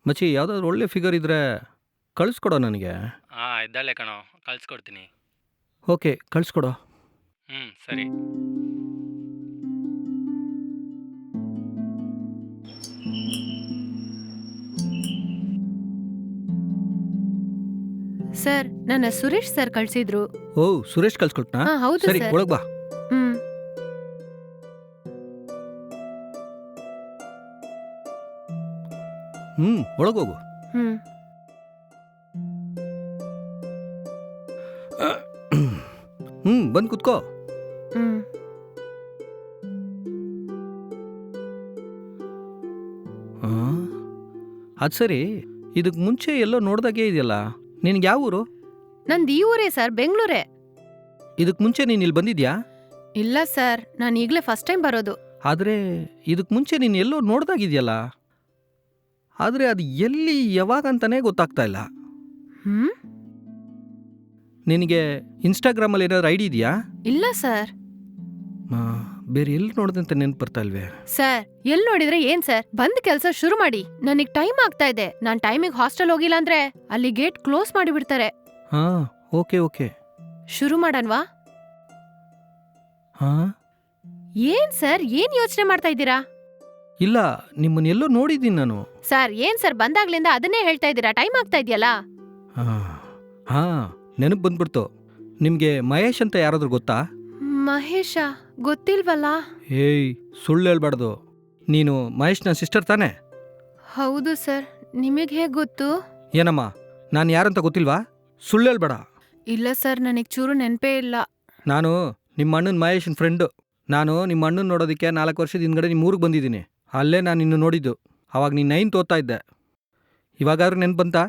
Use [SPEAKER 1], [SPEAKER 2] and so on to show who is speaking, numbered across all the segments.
[SPEAKER 1] ಮಚ್ಚಿ ಯಾವುದಾದ್ರು ಒಳ್ಳೆ ಫಿಗರ್ ಇದ್ದರೆ ಕಳಿಸ್ಕೊಡೋ ನನಗೆ.
[SPEAKER 2] ಇದ್ದಾಳೆ ಕಣೋ, ಕಳ್ಸ್ಕೊಡ್ತೀನಿ.
[SPEAKER 1] ಓಕೆ, ಕಳಿಸ್ಕೊಡೋ.
[SPEAKER 2] ಸರಿ.
[SPEAKER 3] ಸರ್, ನನ್ನ ಸುರೇಶ್ ಸರ್ ಕಳ್ಸಿದ್ರು.
[SPEAKER 1] ಓ, ಸುರೇಶ್ ಕಳಿಸ್ಕೊಟ್ನಾ?
[SPEAKER 3] ಹೌದು
[SPEAKER 1] ಸರಿ,
[SPEAKER 3] ಸರ್.
[SPEAKER 1] ಒಳಗೆ ಬಾ.
[SPEAKER 3] ಹ್ಮ್
[SPEAKER 1] ಒಳಗೋಗು.
[SPEAKER 3] ಹ್ಮ್
[SPEAKER 1] ಬಂದು ಕುತ್ಕೋ.
[SPEAKER 3] ಹ್ಮ್
[SPEAKER 1] ಅದು ಸರಿ, ಇದಕ್ಕೆ ಮುಂಚೆ ಎಲ್ಲೋ ನೋಡ್ದಾಗೆ ಇದೆಯಲ್ಲ, ನಿನಗೆ ಯಾವ ಊರು?
[SPEAKER 3] ನಂದು ಈ ಊರೇ ಸರ್, ಬೆಂಗಳೂರೇ.
[SPEAKER 1] ಇದಕ್ಕೆ ಮುಂಚೆ ನೀನು ಇಲ್ಲಿ ಬಂದಿದ್ಯಾ?
[SPEAKER 3] ಇಲ್ಲ ಸರ್, ನಾನು ಈಗಲೇ ಫಸ್ಟ್ ಟೈಮ್ ಬರೋದು.
[SPEAKER 1] ಆದರೆ ಇದಕ್ಕೆ ಮುಂಚೆ ನೀನು ಎಲ್ಲೋ ನೋಡ್ದಾಗಿದೆಯಲ್ಲ, ಆದರೆ ಅದು ಎಲ್ಲಿ ಯಾವಾಗ ಅಂತಾನೆ ಗೊತ್ತಾಗ್ತಾ ಇಲ್ಲ.
[SPEAKER 3] ಹ್ಮ್
[SPEAKER 1] ನಿನಗೆ ಇನ್ಸ್ಟಾಗ್ರಾಮಲ್ಲಿ ಏನಾದ್ರು ಐಡಿ ಇದೆಯಾ?
[SPEAKER 3] ಇಲ್ಲ ಸರ್.
[SPEAKER 1] ಬೇರೆ ಎಲ್ಲಿ ನೋಡ್ದಂತ ನೆನ್ಪು ಬರ್ತಾ ಇಲ್ವೇ?
[SPEAKER 3] ಸರ್, ಎಲ್ ನೋಡಿದ್ರೆ ಏನ್ ಸರ್, ಬಂದ್ ಕೆಲ್ಸ ಶುರು ಮಾಡಿ. ನನಗ್ ಟೈಮ್ ಆಗ್ತಾ ಇದೆ. ನಾನ್ ಟೈಮಿಗೆ ಹಾಸ್ಟೆಲ್ ಹೋಗಿಲ್ಲ ಅಂದ್ರೆ ಅಲ್ಲಿ ಗೇಟ್ ಕ್ಲೋಸ್ ಮಾಡಿಬಿಡ್ತಾರೆ.
[SPEAKER 1] ಹಾಂ, ಓಕೆ.
[SPEAKER 3] ಶುರು ಮಾಡನ್ವಾ?
[SPEAKER 1] ಹಾಂ,
[SPEAKER 3] ಏನ್ ಸರ್, ಏನ್ ಯೋಚನೆ ಮಾಡ್ತಾ ಇದ್ದೀರಾ?
[SPEAKER 1] ಇಲ್ಲ, ನಿಮ್ಮನ್ನ ಎಲ್ಲೋ ನೋಡಿದ್ದೀನಿ ನಾನು.
[SPEAKER 3] ಸರ್, ಏನ್ ಸರ್, ಬಂದಾಗ್ಲಿಂದ ಅದನ್ನೇ ಹೇಳ್ತಾ ಇದ್ದೀರಾ? ಟೈಮ್ ಆಗ್ತಾ ಇದೆಯಲ್ಲ.
[SPEAKER 1] ಹಾಂ, ನೆನಪು ಬಂದ್ಬಿಡ್ತು. ನಿಮಗೆ ಮಹೇಶ್ ಅಂತ ಯಾರಾದ್ರೂ ಗೊತ್ತಾ?
[SPEAKER 3] ಮಹೇಶ ಗೊತ್ತಿಲ್ವಲ್ಲ.
[SPEAKER 1] ಏಯ್, ಸುಳ್ಳು ಹೇಳ್ಬಾರ್ದು. ನೀನು ಮಹೇಶ್ನ ಸಿಸ್ಟರ್ ತಾನೇ?
[SPEAKER 3] ಹೌದು ಸರ್, ನಿಮಗೆ ಹೇಗ್ ಗೊತ್ತು?
[SPEAKER 1] ಏನಮ್ಮ, ನಾನು ಯಾರಂತ ಗೊತ್ತಿಲ್ವಾ? ಸುಳ್ಳು ಹೇಳ್ಬೇಡ.
[SPEAKER 3] ಇಲ್ಲ ಸರ್, ನನಗ್ ಚೂರು ನೆನ್ಪೇ ಇಲ್ಲ.
[SPEAKER 1] ನಾನು ನಿಮ್ಮ ಅಣ್ಣನ ಮಹೇಶನ್ ಫ್ರೆಂಡು. ನಾನು ನಿಮ್ಮ ಅಣ್ಣನ ನೋಡೋದಕ್ಕೆ 4 ವರ್ಷದ ಹಿಂದ್ಗಡೆ ನಿಮ್ಮ ಊರಿಗೆ ಬಂದಿದ್ದೀನಿ. ಅಲ್ಲೇ ನಾನು ನಿನ್ನ ನೋಡಿದ್ದು. ಅವಾಗ ನೀನು 9th ಓದ್ತಾ ಇದ್ದೆ. ಇವಾಗಾದ್ರೂ ನೆನ್ಪು ಬಂತಾ?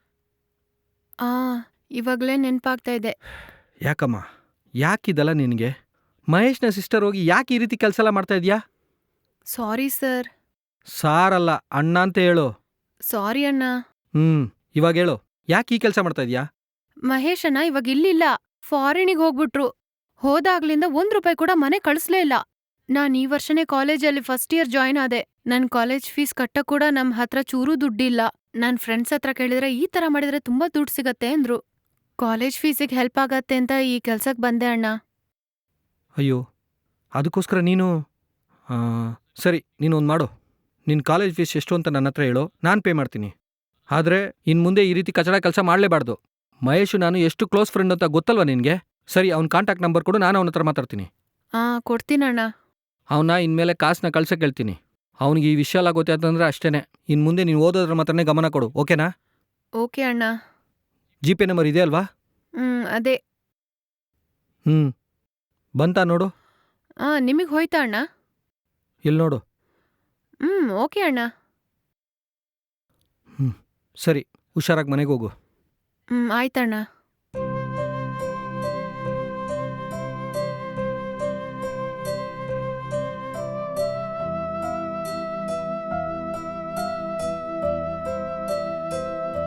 [SPEAKER 3] ಇವಾಗಲೇ ನೆನ್ಪಾಗ್ತಾ ಇದೆ.
[SPEAKER 1] ಯಾಕಮ್ಮ, ಯಾಕಿದಲ್ಲ ನಿನಗೆ? ಮಹೇಶ್ನ ಸಿಸ್ಟರ್ ಹೋಗಿ ಯಾಕೆ ಈ ರೀತಿ ಕೆಲಸ ಎಲ್ಲ ಮಾಡ್ತಾ ಇದೀಯಾ?
[SPEAKER 3] Sorry sir.
[SPEAKER 1] ಸಾರಲ್ಲ, ಅಣ್ಣ ಅಂತ ಹೇಳು.
[SPEAKER 3] ಸಾರಿ ಅಣ್ಣ.
[SPEAKER 1] ಇವಾಗ ಹೇಳು, ಯಾಕೆ ಈ ಕೆಲಸ ಮಾಡ್ತಾ ಇದೀಯಾ?
[SPEAKER 3] ಮಹೇಶ್ ಅಣ್ಣ ಇವಾಗ ಇಲ್ಲಿಲ್ಲ, ಫಾರಿನಿಗೆ ಹೋಗ್ಬಿಟ್ರು. ಹೋದಾಗ್ಲಿಂದ ₹1 ಕೂಡ ಮನೆ ಕಳಿಸ್ಲೇ ಇಲ್ಲ. ನಾನ್ ಈ ವರ್ಷನೇ ಕಾಲೇಜಲ್ಲಿ ಫಸ್ಟ್ ಇಯರ್ ಜಾಯ್ನ್ ಆದೆ. ನನ್ ಕಾಲೇಜ್ ಫೀಸ್ ಕಟ್ಟಕ್ ಕೂಡ ನಮ್ ಹತ್ರ ಚೂರೂ ದುಡ್ಡಿಲ್ಲ. ನನ್ ಫ್ರೆಂಡ್ಸ್ ಹತ್ರ ಕೇಳಿದ್ರೆ ಈ ತರ ಮಾಡಿದ್ರೆ ತುಂಬಾ ದುಡ್ಡು ಸಿಗತ್ತೆ ಅಂದ್ರು. ಕಾಲೇಜ್ ಫೀಸಿಗೆ ಹೆಲ್ಪ್ ಆಗತ್ತೆ ಅಂತ ಈ ಕೆಲ್ಸಕ್ ಬಂದೆ ಅಣ್ಣ.
[SPEAKER 1] ಅಯ್ಯೋ, ಅದಕ್ಕೋಸ್ಕರ ನೀನು ಸರಿ, ನೀನು ಒಂದು ಮಾಡು. ನಿನ್ನ ಕಾಲೇಜ್ ಫೀಸ್ ಎಷ್ಟು ಅಂತ ನನ್ನ ಹತ್ರ ಹೇಳು, ನಾನು ಪೇ ಮಾಡ್ತೀನಿ. ಆದರೆ ಇನ್ನು ಮುಂದೆ ಈ ರೀತಿ ಕಚಡ ಕೆಲಸ ಮಾಡಲೇಬಾರ್ದು. ಮಹೇಶು ನಾನು ಎಷ್ಟು ಕ್ಲೋಸ್ ಫ್ರೆಂಡ್ ಅಂತ ಗೊತ್ತಲ್ವ ನಿನಗೆ? ಸರಿ, ಅವ್ನ ಕಾಂಟ್ಯಾಕ್ಟ್ ನಂಬರ್ ಕೊಡು, ನಾನು ಅವನ ಹತ್ರ ಮಾತಾಡ್ತೀನಿ.
[SPEAKER 3] ಕೊಡ್ತೀನಣ್ಣ.
[SPEAKER 1] ಅವನ್ನ ಇನ್ಮೇಲೆ ಕಾಸನ್ನ ಕಳ್ಸಕ್ಕೆ ಹೇಳ್ತೀನಿ. ಅವನಿಗೆ ಈ ವಿಷಯ ಎಲ್ಲ ಗೊತ್ತೇ ಅಂತಂದ್ರೆ ಅಷ್ಟೇ. ಇನ್ನು ಮುಂದೆ ನೀನು ಓದೋದ್ರ ಮಾತ್ರನೇ ಗಮನ ಕೊಡು, ಓಕೆನಾ?
[SPEAKER 3] ಓಕೆ ಅಣ್ಣ.
[SPEAKER 1] ಜಿ ಪೇ ನಂಬರ್ ಇದೆ ಅಲ್ವಾ?
[SPEAKER 3] ಅದೇ.
[SPEAKER 1] ಬಂತಾ ನೋಡು.
[SPEAKER 3] ನಿಮಗೆ ಹೋಯ್ತಾ ಅಣ್ಣ?
[SPEAKER 1] ಇಲ್ಲಿ ನೋಡು.
[SPEAKER 3] ಓಕೆ ಅಣ್ಣ.
[SPEAKER 1] ಸರಿ, ಹುಷಾರಾಗಿ ಮನೆಗೆ ಹೋಗು.
[SPEAKER 3] ಆಯ್ತಣ್ಣ.